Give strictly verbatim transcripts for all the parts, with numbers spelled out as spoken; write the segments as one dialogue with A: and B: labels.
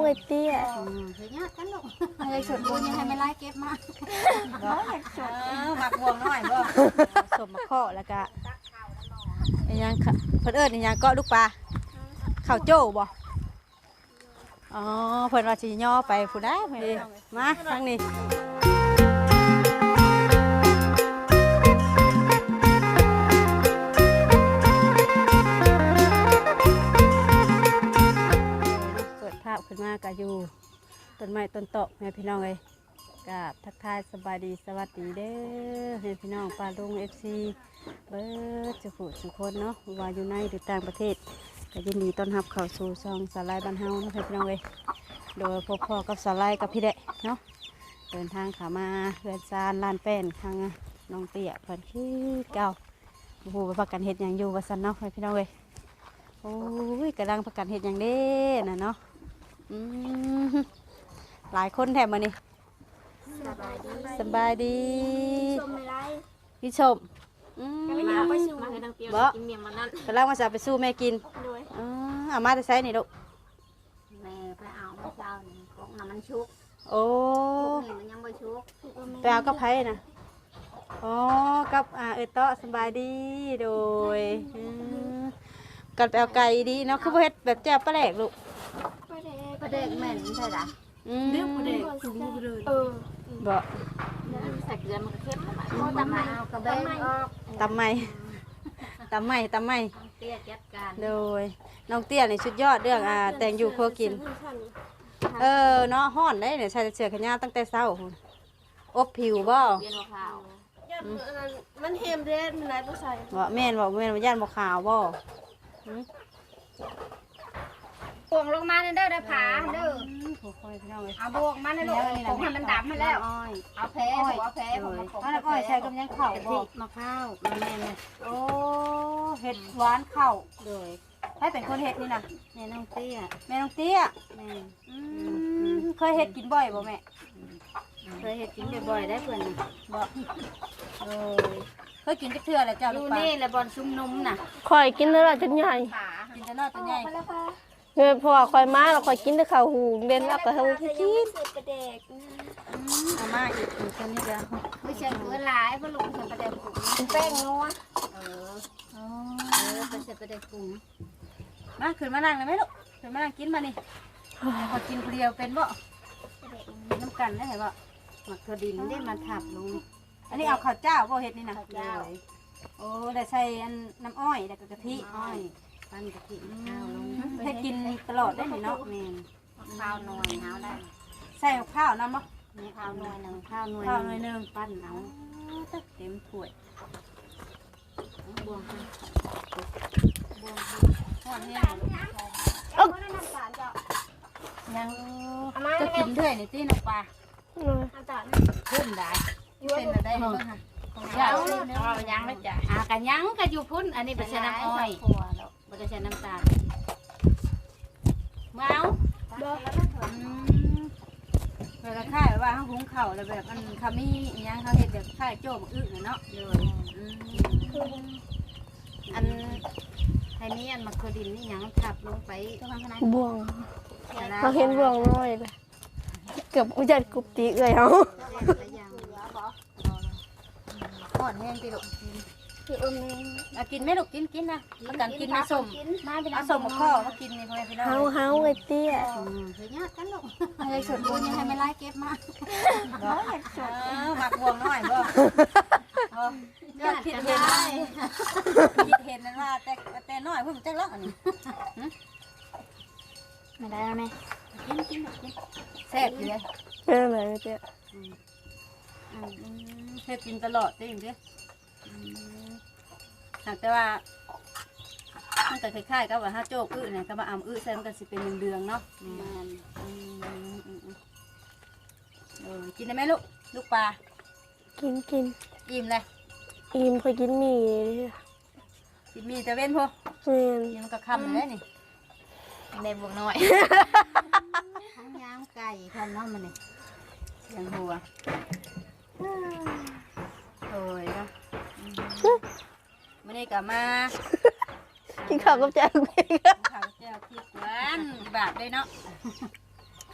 A: อ้เตี้ย
B: เฮ้ยกันลูกเฮ้ยสดบุญยังให้ไม่ไล่เก็บมาบ่อยากสดหมักบวงน้อยบ่สมมะข้อแล้วก็อีหยังเพิ่นเอิ้นอีหยังเกาะลูกปลาข้าวโจ้บ่อ๋อเพิ่นว่าสิย่อไปผู้ใดมาทางนี้ขึ้นมาก็อยู่ต้นไม้ต้นโตแม่พี่น้องเลยกับทักทายสบายดีสวัสดีเด้อแม่พี่น้องปลาลุงเอฟซีเบิร์ดจะผูดสุคนเนาะว่าอยู่ในหรือต่างประเทศก็ยินดีต้อนรับเข้าสู่ซองสาลายบ้านเฮานะแม่พี่น้องเลยโดยพบพ่อกับสาลายกับพี่เด็กเนาะเดินทางขามาเรือนซานลานแป้นทางน้องเตี้ยเพิ่นขี้เก่าโอ้โหประกันเห็ดอย่างอยู่ว่าสันเนาะแม่พี่น้องเลยโอ้ยกำลังประกันเห็ดอย่างเด้น่ะเนาะหลายคนแถมมานี่สบายดีพี่ชมบ่กำลังมาจะไปสู้แม่กินเอามาจะใช้นี่ลูก
C: แม่ไปเอาเมื่อเช้านี่ของน้ำมันชุก
B: โอ้
C: มันยังไม่ชุก
B: ไปเอากับไผ่นะอ๋อกับอ่าเออเตาะสบายดีโดยกันไปเอาไก่ดีเนาะคือเฮ็ดแบบแจ่วปลาแหลกลูก
C: ประเด็กแม่นใช่หรอ
B: เรื่องประเด็กคือมือเลยเออบ่
C: ใส่เกลือมันก็เข้มตำไมเอากระเบนออก
B: ตำไมตำไมตำไม
C: เตี้ยจัดการ
B: โดยน้องเตี้ยนี่ชุดยอดเรื่องอ่าแต่งอยู่ครัวกินเออเนาะฮ้อนได้เนี่ยใส่เสื้อแขนยาวตั้งแต่เช้าอบผิวบ่
C: เย็นขาว
A: มันเฮมเด้มันไหนบ่ใส่
B: บ่แม่นบ่แม่นบ่ย่านบ่ขาวบ่
C: บวงลงมาเด้อได้ผาเด้อเอาบวงมาในโลกผมให้มันดำมาแล้วเอาแพ้หัวแพ้ผม
B: เอาแล้วก็ใช้กับยังข้าวบ่
C: มะพร้าวแม่เลย
B: โอ้เห็ดหวานข้าวเลยให้เป็นคนเห็ดนี่นะ
C: แม่น้องเตี้ย
B: แม่น้องเตี้ยแม่เคยเห็ดกินบ่อยบ่แม่
C: เคยเห็ดกินบ่อยๆได้เพื่อน
B: บ่เออเคยกินจักเทื่อแล้วเจ้า
C: ลูกปลาอยู่นี่แหละบอลซุ่มนุ่มน่ะ
A: คอยกินแล้วจนใหญ่
B: กินแต่น้อยแต่ใหญ่
A: เงินพอคอยมาเราคอยกินแต่ข้าวหูเด่นแล้วก็เฮากิน
B: เอามาอีกอีกคนนี้เดียว
C: ไม่ใช่เกลือหลายเพราะลูกใส่ประเดี๋ยวกุ้งแป้งนัวเออเออไปใส่ประเดี๋ยวกุ้ง
B: มาขึ้นมานั่งเลยไหมลูกขึ้นมานั่งกินมานี่พอกินคนเดียวเป็นบ่น้ำกันได้ไหมบ่
C: หมักถั่วดินได้มาทับลง
B: อันนี้เอาข้าวเจ้าบ่เฮ็ดนี่นะข้าวเจ้าโอ้ได้ใส่อันน้ำอ้อยแล้วก็กะทิ
C: อ้อยปั้นกะทิข้าวลง
B: ให้กินตลอดได้ไหมเนาะ
C: แม่ข้าวหน่วยข้าวได้
B: ใส่ข้าวน้ำบ่
C: นี่ข้าวหน่วยหนึ่งข้าวหน่วย
B: ข้าวหน่วยหนึ่ง
C: ปั้นเอา
B: เต็มถ้วยบวงบวงห่อนเนี่ยยังจะกินด้วยนี่ตีน้ำปลาพุ่นได้เป็นอะไรบ้างคะ
C: ยาวยังไม่จ่ายอ่ะกันยังก็อยู่พุ่นอันนี้เป็นน้ำอ้อยมันจะใช้น้ำตาลเมา
B: เราจะค่ายว่าเขาหุงเข่าแล้วแบบมันขมิ้นยังเขาเห็ดแบบค่ายโจ้มาอึเนาะ
C: เลยอันไทยนี้อันมักดินนี่ยังทับลงไป
A: บ่วงเราเห็นบ่วงน้อยเลยเกือบอุจจาระกุบตีเลยเขา
B: ห่อนแห้งตีลูกกินไหมลูกกินกินนะแล้วกันกินมาส่งมาส่งมาพ่อมากินนี่พ่อพี่น้อง
A: เฮาเฮาไอ้เตี้ย
C: เฮ้ยกันลูก
B: เฮ้ยสดบุญยังให้ไม่ไล่เก็บมาบ่อยากสดหมักบวงน้อยบ่ยอดคิดเห็นคิดเห็นนั่นว่าแต่แต่น้อยเพิ่งจะล็อกอันนี้
C: ไม่ได้แล้วไหม
B: กินกินกินแซ่บอยู่เลย
A: เป็นอะไรเตี้ย
B: เฮ็ดกินตลอดได้ยังเด้แต่ว่ามันก็คล้ายๆกับว่าถ้าโจ๊กอื้อเนี่ยก็มาอ่ำอื้อใส่มันก็สิเป็นเดืองๆเนาะเออกินได้ไหมลูกลูกปลา
A: กินกิน
B: อิ่มเลย
A: อิ่มเคยกินหมี่
B: กินหมี่แต่เว้นพอกินมันก็คำเลยนี่
C: ในบวงน้อยทั้งย่างไก่ทำน้ำมันนี่
B: ยังหัวโอ้ยนะไม่ได้กลับมา
A: กินข้าวกับแจ่ว
B: กินข้าวกับแจ่วพริกหวานบาทเลยเนาะ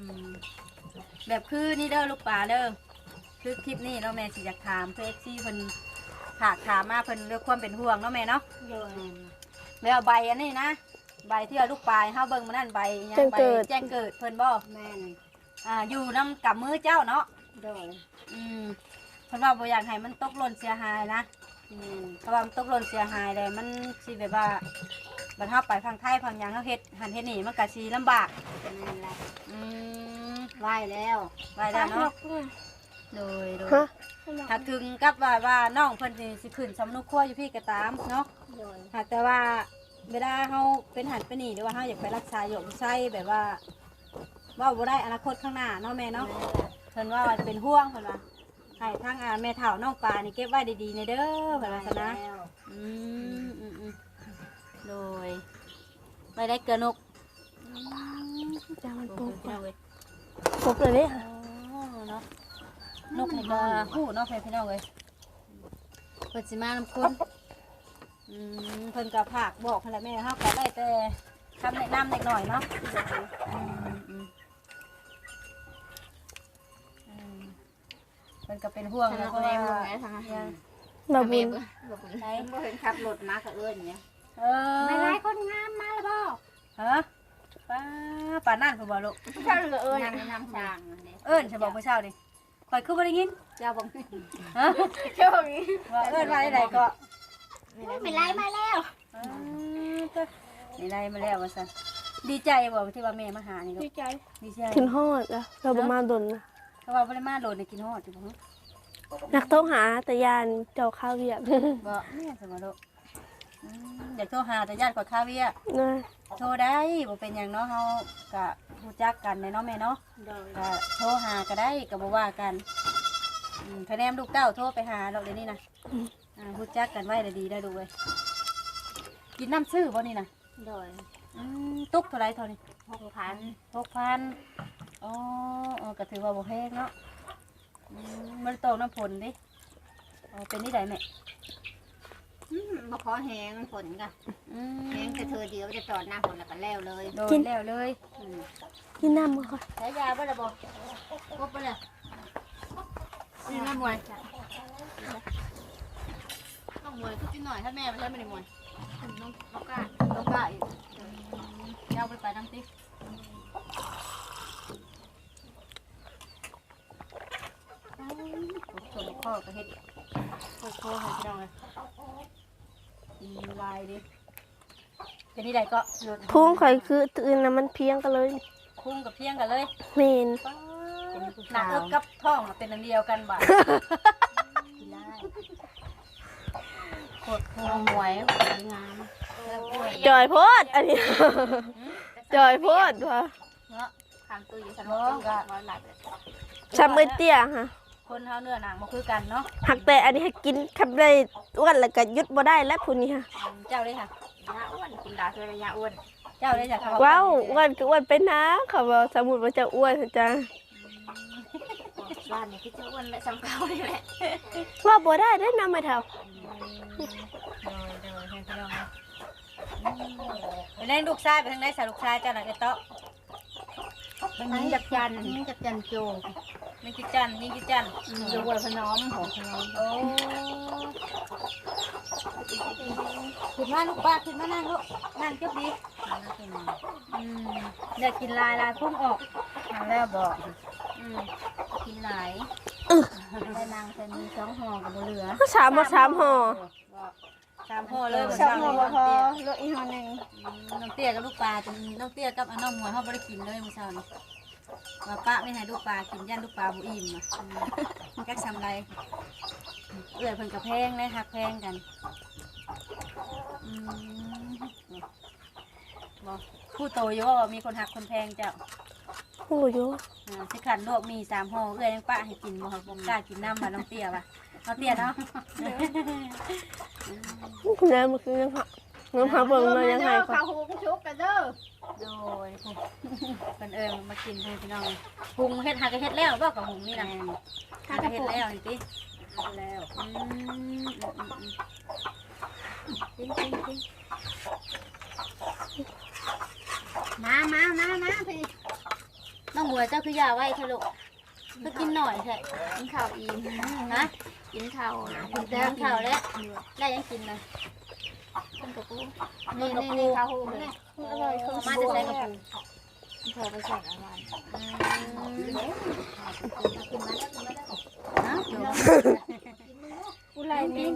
B: มแบบคือนี่เด้อลูกปลาเด้อคือคลิปนี้เนาะแม่สิอยากถามเพื่อเอฟซีเพิ่นฝากถามมาเพิ่นเรื่องความเป็นห่วงเนาะแม่เนาะ
C: โดย
B: แม่เอาใบอันนี้นะใบที่เอาลูกปลายเฮาเบิ่งมานั่นใบยังใบแจ้งเกิดเพิ่นบ่
C: แม่น
B: อ่าอยู่นำกับมือเจ้าเนาะ
C: โดย
B: อืมเพิ่นว่าบ่อยากให้มันตกหล่นเสียหายนะ
C: แม่น
B: เพราะว่ามันตกหล่นเสียหายเลยมันสิแบบว่าบัดเฮาไปทางไทยทางหยังเฮาเฮ็ดหันเฮ็ดนี่มันก็สิลำบาก
C: แม่นละ
B: อืม
C: ไหวแล้ว
B: ไว้แล้วเนาะโดยโดย
A: ฮะ
B: ถ้าถึงกับว่าว่าน้องเพิ่นสิสิขึ้นสำนุกครัวอยู่พี่ก็ตามเนาะ
C: โดย
B: หากแต่ว่าเวลาเฮาเป็นหันเป็นนี่หรือว่าเฮาอยากไปรักษาอยู่ใช่แบบว่าเว่าบ่ได้อนาคตข้างหน้าเนาะแม่เนาะเพิ่นว่าเป็นห่วงเพิ่นว่าให้ทางอ่าแม่เฒ่าน้องปลานี่เก็บไว้ดีๆในเด้อเพิ่นว่าซะนะ
C: แล้ว
B: อืมอืมอืมโดยไปได้เกลือนก
A: จะมัน
B: โอ้
A: ปุ๊บ
B: โหเอาเว้ย
A: ปุ๊บเลยเนี่ย
B: อ๋อเนาะนกนี่ก็ฮู้เนาะพี่น้องเอ้ยเพิ่นสิมานำคนอืมเพิ่นก็พากบอกเพิ่นแหละแม่เฮาก็ได้แต่คำแนะนำเล็กน้อยเนาะอืมอืมอืมเพิ่นก็เป็นห่วงแล้วเพราะว่า
A: บาบุญ
B: ไหน
C: บ่เห็นขับรถมาก็เอิ้นเนี่ย
B: เออ
C: ไม่ไล่คนงามมาแล้วบ่
B: ฮะป้าป้านั่นเพิ่นบ่ลูก
C: เจ้าเหลือเอิ้นนำช้าง
B: เอิ้นฉันบอกเมื่อเช้านี่ข่อยคือบ่ได้ยิน
C: เจ้าบ่
B: ฮะ
C: เจ้าบ่
B: ว่าเอิ้นว่าได้ใดก็
C: ไม่ไล่มาแล้ว
B: เออก็นี่ได้มาแล้วว่าซั่นดีใจบ่ที่ว่าแม่มาหานี่ลู
A: ดี
B: ก
A: ใจ
B: ดีใจ
A: ขึ้นฮอดอะเราประมาณดนนะ
B: เพราะว่าบ่ได้มาโดนได้กินฮอดอยู่บ่ฮะ
A: นักต้องหาแต่ยานเจ้าข้าวเวียก
B: บ่แม่สิบ่ลูกอืมอยากโทรหาแต่ญาติกว่าคาเวีย
A: นะ
B: โทรได้บ่เป็นหยังเนาะเฮาก็รู้จักกันแน่เนาะแม่เนาะ
C: โดย
B: ก็โทรหาก็ได้ก็บ่ว่ากันอืมคะแนนลูกเต้าโทรไปหาเราเดี๋ยวนี้นะอ่ารู้จักกันไว้ได้ดีได้ดูเว้ยกินน้ำซื้อบ่นี่นะ
C: โดย
B: อืมตุกเท่าไรเท่านี้
C: หกพัน
B: หกพันอ๋ออ๋อก็ถือว่าบ่แพงเนาะอืมมันตกน้ำฝนดิอ๋อเป็นนี่ไดแม่
C: อืมบ่ขอแหงฝนก็
B: อืม
C: แหงแต่เธอเดียวจะตอดหน้าฝนแล้วก็แล้วเลย
B: โดนแล้วเลย
C: อืม
A: กินน้ำมาก่อน
B: ใช้ยาบ่ได้บ่ครบบ่เลยนี่แม่มวยน้องมวยก็กินหน่อยถ้าแม่ไปใช้ไม่ได้มวย
C: น้องน้องกา
B: ต้องกล้าอีกเจ้าไปไปน้ำติ๊กส่วนข้อก็เฮ็ดข้อข้อให้พี่น้องเลยกินลายดิเป็นนี่ใดก็ลด
A: พุ่งข่อยคือตื่นนะมันเพียงกันเลย
B: คุ้งกับเพียงกันเลย
A: เมน
B: หนักเอิบกับท้องเป็นอันเดียวกันบ่กินได้โคตรโคตรหวยงาม
A: จอยโพดอันนี้ จอยโพดว่ะ
B: เนาะ
C: ทางตู้อยู่สน
B: เนาะ
C: อง
B: ก็
C: ก็หลับเลย
A: ชำเอ้ยเตี้ยฮะ
B: คนเฮาเนื้อหนังบ่คือกันเนาะ
A: หักแต่อันนี้ให้กินขับได้อ้วนแล้วก็หยุดบ่ได้แล้วพุ่นนี้ฮะ
B: เจ้าเลยค่ะ
C: ยาอ้วนกินดาคือระยะอ้วน
B: เจ้าเลยจ้ะค่ะ
A: ว้าวอ้วนก็อ้วนไปนะเขาบอกสมมุติว่าจะอ้วนจ้ะ
C: บ้านนี่คือจะอ้วนและซ้ำเก่านี่แหละ
A: ว่าบ่ได้ได้อนำไม่เท่า
B: โดยโดยให้พี่น้องเนาะไปเล่นลูกชายไปทางไหนสาลูกชายเจ้าน่ะไอ้เตาะ
C: มันยิงจับจันยิงจับจันโจ
B: มีกิจจันมีกิจจัน
C: อยู่วัวพน้อมของพน้อม
B: โอ้ขึ้นมาลูกป้าขึ้นมานั่งลูกนั่งเก็บดีอืมอยากกินลายลายพุ่งออก
C: ทางแล้วบอก
B: อืม
C: กินหลายได้นางจะมีสองห่อกับเหลือ
A: สามบ่สามห่อ
B: สามพ่อเลย
A: สามห่อบ่พอเหลืออีกห่อหนึง
B: น้องเตี้ยกับลูกปลาจนน้องเตี้ยกับน้องมวยเขาไม่ได้กินเลยเมื่อเช้านี้ว่าป้าไม่ให้ลูกปลากินยันลูกปลาบุอิ่มอ่ะแก๊กทำไรเอื้อยเพิ่นกับแพงเลยหักแพงกันอืมบอกผู้โตอยู่ว่ามีคนหักคนแพงเจ้า
A: โอ้โย
B: อ่าสิขันลวกมีสามห่อเอื้อยยังป้าให้กินบ่ครับบ่กล้ากินน้ำมาน้องเตี้ยว่ะน้องเตี้ยเนาะ
A: น้ำมันคือน้ำผักน้ำผักเบิ่งเลยยังไงก่อน
C: ข้าวหูกชุบกันเด้อ
B: โดยคนเอิญมากินให้พี่น้องหุงเฮ็ดหากระเฮ็ดแล้วบ่กับหุงนี่นะหากระเฮ็ดแล้วนี่ติ
C: แล้ว
B: อืมอืมอืมอืมจริงจริงจริง
C: มามามามาพี่น้อง
B: องบัวเจ้าคือยาไว้ทะลุก็กินหน่อยแท้
A: กินข้าวอิ่ม
B: นะ
A: กินข้าวนะ
B: กินแต่ข้าวแล้วได้ยังกินเลย
A: ต้มกระปู
B: นี่นี่นี่ข้าวหูเลย
A: อร่อยข้าว
B: มา
A: ส
B: จะ
A: ว
B: ใส่
A: ย
B: กระปุก
A: พอไปใส่อะไร
B: นะเดี๋ยว
A: กูไล่แมง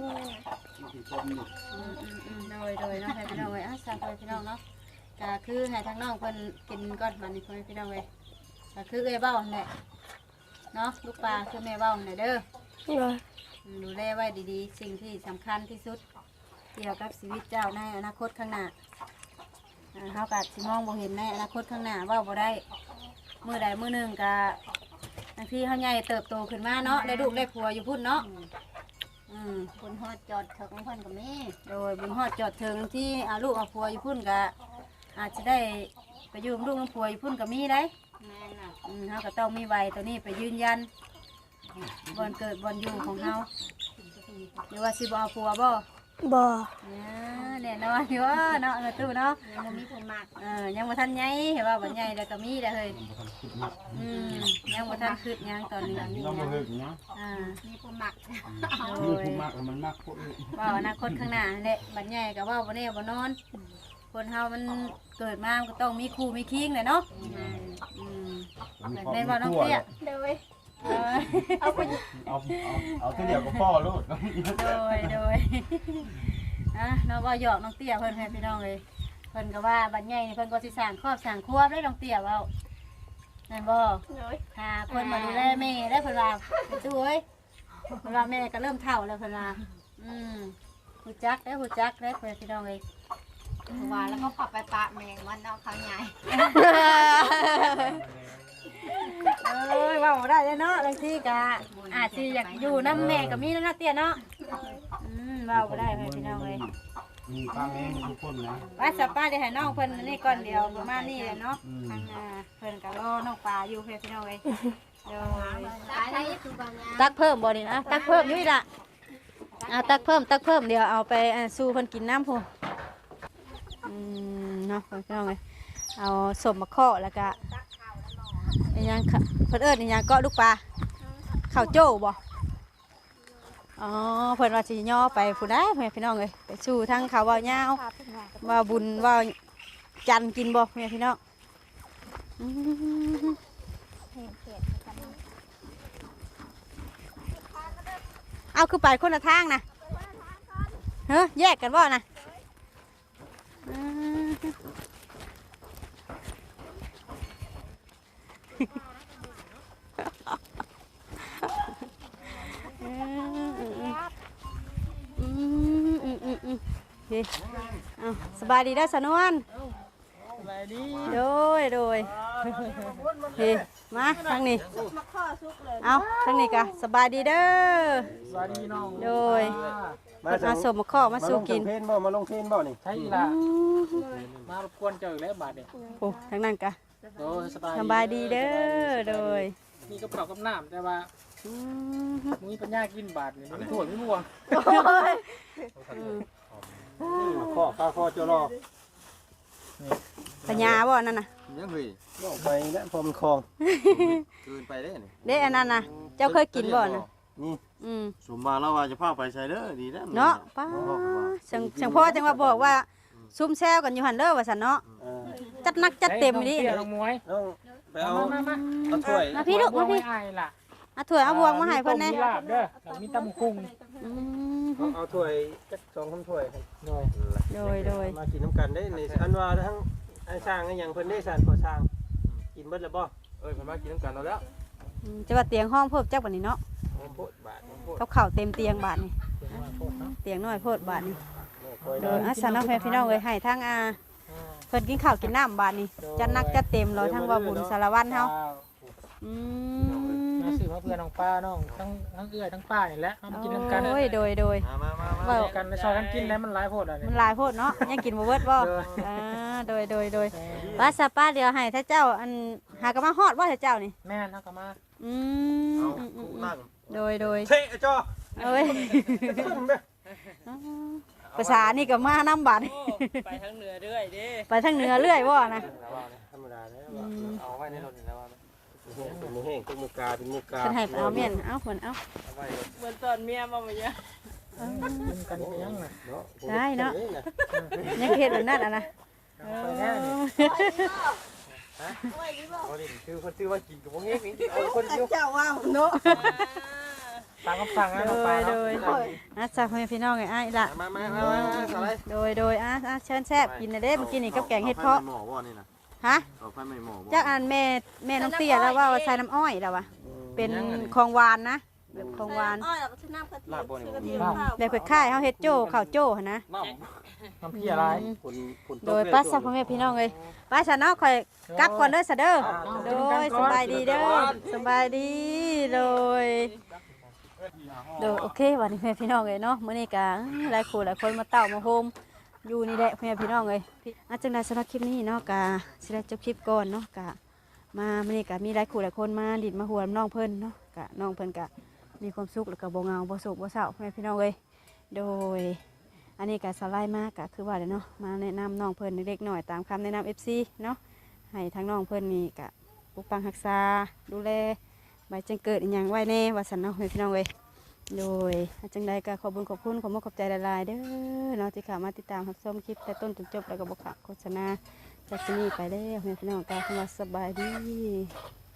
B: โดยโดยน้องไปพี่น้องเลยอ่ะสามไปพี่น้องเนาะก็คือให้ทั้งน้องเพิ่นกินก่อนบัดนี้เพิ่นพี่น้องเลยก็คือเอ้ยเบ้าแหละเนาะลูกปลาคือแม่เบ้าแหละเด้อ
A: เลย
B: ดูแลไว้ดีๆสิ่งที่สำคัญที่สุดเกี่ยวกับชีวิตเจ้าในอนาคตข้างหน้าอ่าเฮาก็สิมองบ่เห็นในอนาคตข้างหน้าเว่าบ่ได้มื้อใดมื้อหนึงก็บางทีเฮาใหญ่เติบโตขึ้นมาเนาะได้ลูกได้ผัวอยู่พุ่นเนาะอืม
C: คนฮอดจอดเถิงเพิ่นก็มี
B: โดยบุญฮอดจอดถึงที่อาลูกเอาผัวอยู่พุ่นก็อาจจะได้ไปอยู่กับลูกกับผัวอยู่พุ่นก็มีได้
C: แม่น่ะ
B: อืมเฮาก็ต้องมีใบตัวนี้ไปยืนยันบอนเกิดบอนอยู่ของเฮาหรือว่าสิบ่เอาผัวบ่
A: บ่
B: เนี่ยแน่นอนอยู่ว่าเนาะเออตู้เนาะ
C: ยังบ่มีคนมาก
B: เออยังบ่ทันใหญ่เห็นว่าบ่ใหญ่แล้วก็มีแล้วเฮ้ยอืมยังบ่ทันคิดหยังตอนนี้
D: เราบ่เฮิกเนาะ
B: อ่า
C: มีคนมาก
B: โด
D: นี่
B: ย
D: ผู้มากมันมากผู้อื่น
B: ว่าอนาคตข้างหน้าแหละบัดใหญ่ก็ว่าบ่แน่บ่นอน คนเฮามันเกิดมามันก็ต้องมีครูมีคิงแหละเนาะอืม
D: มี
B: แม่นบ่น้องเตี้ย
A: เลย
B: เออ
A: เอาไป
D: เอาเอาเอาตัวเดียวก็พ่อลูก
B: โดยโดยอ่ะเนาะว่าหยอกน้องเตี้ยเพิ่นให้พี่น้องเลยเพิ่นก็ว่าบัดใหญ่นี่เพิ่นก็สิสร้างครอบสร้างครัวได้น้องเตี้ยเว้านั่นบ่
A: เลย
B: หาคนมาดูแลแม่ได้เพิ่นว่าไปช่วยเพิ่นว่าแม่ก็เริ่มเฒ่าแล้วเพิ่นว่าอืมฮู้จักได้ฮู้จักได้เพิ่นพี่น้องเลย
C: ว่าแล้วก็ขับไปปะแมงวันเอาเขาใหญ่
B: เอ้ยเว้าบ่ได้เลยเนาะบางทีก็อาจสิอยากอยู่นำแม่ก็มีแล้วเนาะเตี้ยเนาะอืมเว้าบ่ได้เพิ่นพี่น้องเลย
D: มีป้าแม่มีทุกคนนะ
B: ว่าสป้าได้ให้น้องเพิ่นอันนี่ก่อนเดียวประมาณนี้แหละเนาะทางอ่าเพิ่นก็รอน้องปลาอยู่เพิ่นพี่น้องเอ้ยเดี๋ยว
C: ตายได้คือบางอย่าง
B: ตักเพิ่มบ่นี่นะตักเพิ่มอยู่อีกล่ะเอาตักเพิ่มตักเพิ่มเดี๋ยวเอาไปอ่าสู่เพิ่นกินน้ำพุ่นอืมเนาะพี่น้องเอ้ยเอาสมมะข้อแล้วก็อีหยังค่ะเพิ่นเอิ้นอีหยังเกาะลูกปลาข้าวโจ้บ่อ๋อเพิ่นว่าสิย่อไปผู้ใดแม่พี่น้องเอ้ยไปสู่ทางเขาเว้ายาว
A: พาไปหา
B: ว่าบุญว่าจันทร์กินบ่แม่พี่น้องอืม
A: เห็นเขตกัน
B: เอาคือไปคนละทางนะเฮ้ยแยกกันบ่นะอืมอืมอืมอืมอืมเฮ้ยเอาสบายดีเด้อสนวน
E: สบายดี
B: โดยโดยเฮ้ยมาทางนี้เอาทางนี้กะสบายดีเด้อ
E: สวัสดีน้อง
B: โดยเพิ่นมาสมมาข้อมาสู่กิน
D: เพนบ่มาลงเพนบ่นี่
E: ใช่ละมารบกวนเจ้าอีกแล้วบาดเนี่ย
B: โอ้ทางนั้นกะ
E: โดยสบาย
B: สบายดีเด้อโดย
E: มีกระเป๋ากับน้ำแต่ว่า
B: อืม
E: มึงปัญญากินบาดเนี่ยมันถั่วไม่ม่วง
D: ข้อข้าข้อเจ้ารอ
B: ปัญญาบ่นั่นน่ะ
F: ยังเฮ้ย
D: บ่ไปแล้วพอมันคลอง
F: เกินไปได้นี่
B: เด้อันนั้นน่ะเจ้าเคยกินบ่น่ะ
D: นี่
B: อืม
F: สมมาแล้วว่าจะพาไปใส่เด้อดีแล้ว
B: เนาะป้าจังจังพ่อจังว่าบอกว่าซุ่มแซวกันอยู่หั่นเด้อว่าซั่นเนาะ
D: เออ
B: จัดหนักจัดเต็มดิ
E: เตี้ยน้องมวย
D: น้องไปเอา
E: มามามา
D: เอาถ้วย
B: มาพี่ลูกมาพี่
E: ไอ้ล่ะ
B: เอาถ้วยเอาบวงมาให้เพิ่นแน่
E: มีลาบเด้อมีตำกุ้ง
B: อืม
D: เอาเอาถ้วยจักสองคำถ้วยครับ
E: โดย
B: โดยโดย
D: มากินน้ำกันได้ในอันว่าทั้งไอ้สร้างไอ้หยังเพิ่นได้สร้างก่อสร้างกินเบิดแล้วบ่
F: เอ้ยเพิ่นมากินน้ำกันเราแล้ว
B: อืมจะว่าเตียงห้องเพิ่มจักบัดนี้เนาะ
D: โอ้โพดบาทโพด
B: กับข้าวเต็มเตียงบาดนี่
E: เดี๋ยวมาโทษเนาะ
B: เตียงน้อยโพดบาดนี่
D: คอย
B: โด
D: ได้
B: ยอาสาน้องแฟนพี่น้องเอ้ยให้ทั้งอาเพิ่นกินข้าวกินน้ำบาดนี่จัดหนักจัดเต็มรอทั้งว่าบุญสารวัตรเฮาอืม
E: มาซื้อมาเพื่อนน้องป้าน้องทั้งทั้งเอื้อยทั้งป้านี่แหละมากินน้ำกัน
B: โอ้ยโดยโดย
F: มามามามา
B: เว้า
E: กันในซอยกันกินแล้วมันหลายโพดอ่ะเนี่
B: มัน
E: ย
B: หลายโพดเนาะยังกินบ่เบิดบ่อ่าโดยโดยโดยป้าสป้าเดี๋ยวให้ถ้าเจ้าอันหากะมาฮอดว่าถ้าเจ้านี่
E: แม่นเอากลับมา
B: อืม
F: เอา
B: อืมอืม
F: คู่
B: อืม
F: นั่ง
B: โดยโดย
D: เท่ไอ้จ้อ
B: เอ้ย
D: ขึ้นไป
B: ภาษานี่ก็มาน้ำบาดนี่
E: ไปทางเหนือเรื่อยดิ
B: ไปทางเหนือเรื่อยบ่นะ
D: ธรรมดาแล้ว
B: อืม
F: เอาไว้ในรถนี่แล้วว่า
D: เเป็นมือแห้งเป็นมือกาเป็นมือกา
B: ฉันให้ไปเอาเมียนเอาเหมือนเอา
G: เหมือนตอนเมียมาเมื่อกี้
E: กินกันไปยังน่ะ
D: เนาะ
B: ได้เนาะยังเฮ็ดแบบนั้นอ่ะนะ
E: ไปแน่นี่
D: เอาดิคือคนชื่อว่ากินกับพวกนี้นี่เอาคนเดียว
G: เจ้าว่าเนาะ
E: ตามคำสั่งนะ
B: โด
E: ปลาย
B: โด
E: เนาะ
B: ยอ่ะจ้าพ่อแม่พี่น้องไงอ้ายล่ะ
F: มามามามาอะไร
B: โดยโดยอ่ะอ่ะเชิญแซ่บกินนะเด้เมื่อกี้นี่กับแกงเห็ดเพาะ
F: หมอว่านี่นะ
B: ฮะ
F: เอาไฟไม่หมอบ่
B: จากอันแม่แม่น้องเตี้ยแล้วว่าว่าใส่น้ำอ้อยแล้ววะเป็นของหวานนะแบบของหวาน
G: อ้อยแล้วก็ชื่อน้ำกะทิ
D: ลาบบ่นี่
G: ชื่อ
D: บ่
G: กะทิ
D: มี
G: ข้าว
B: แบบคล้ายๆเฮาเฮ็ดโจ้ข้าวโจ้หั่นนะ
F: น้
E: น้ำพี่อะไร
D: ผลผล
B: โดยป้าสักพ่อแม่พี่น้องเลยป้าฉันเนาะคอยกลับก่อนเด้อซะเด้อโดยสบายดีเด้อสบายดีโดยโดยโอเควันนี้แม่พี่น้องเลยเนาะมื้อนี้ก็หลายคู่หลายคนมาเต้ามาโฮมอยู่นี่แหละแม่พี่น้องเลยอาจังได๋สำหรับคลิปนี้เนาะก็สิได้จบคลิปก่อนเนาะก็มามื้อนี้ก็มีหลายคู่หลายคนมาดิดมาหัวน้องเพิ่นเนาะก็น้องเพิ่นก็มีความสุขแล้วก็บ่เหงาบ่โศกบ่เศร้าแม่พี่น้องเลยโดย อันนี้ก็สไลด์มากก็คือว่าเนาะมาแนะนำน้องเพิ่นเล็กๆหน่อยตามคำแนะนำ เอฟ ซี เนาะให้ทั้งน้องเพิ่นนี่ก็ปกปักรักษาดูแลใบจังเกิดอหย่างไว้แน่ว่าสันเนาะพี่น้องเว้ยโดยจังใดก็ขอบคุญขอบคุณขอบมุกขอบใจหลายๆเด้อเนาะที่เข้ามาติดตามรับชมคลิปแต่ต้นจนจบแล้วก็บอกโฆษณาจากที่นี่ไปแล้วพี่น้องก็คำว่าสบายดี